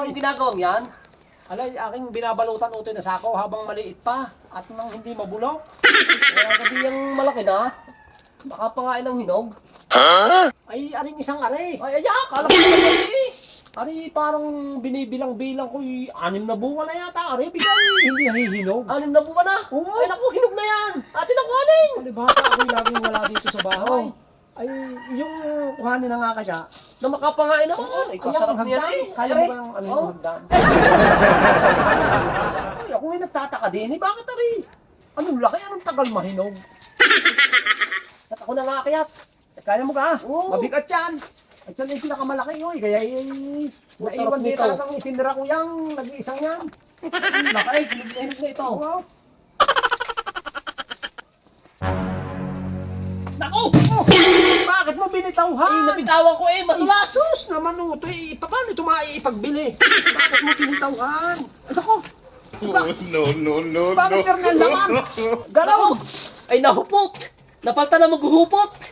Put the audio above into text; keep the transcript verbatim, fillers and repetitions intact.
yung ginagawang yan? Alay, aking binabalutan utoy na sako habang maliit pa at nang hindi mabulok. Kaya kasi yung malaki na. Baka pangain ng hinog. Ay, aring isang are. Ay, ay, akala ko naman mali. Ari, parang binibilang-bilang ko, y- anim na bunga na yata. Ari, bigay, hindi nahihinog. Anim na buwan na. Oo. Ay, naku, hinog na yan. Atin ang kuhanin. Palibhasa ako'y laging wala dito sa bahay. Oo. Ay, yung kuhanin na nga kaya. Na makapangain naman. Oo, Ay, kaya kasarap ang niyan hagdan. eh. Kaya mo Are. ba yung ano Oo. yung hagdan? Ay, ako may nagtataka din. Eh, bakit ari? Anong laki? Anong tagal mahinog? At ako na nga kaya. Kaya mo ka? Oo. Mabigat yan. At yan ay pinakamalaki yun. Kaya eh, Masarap naiwan din nito. talagang itinira ko yung nag-iisang yan. Laki, hinog na ito. Wow. Naku! Oh, bakit mo binitawhan? Ay, napitawan ko eh, matulas. Sus naman o, ito eh, paano ito maiipagbili? Bakit mo binitawhan? Ay, ako, Oh, no, no, no, bakit no. karnal naman? Galaw! Ay, nahupot. Napalta na maghuhupot.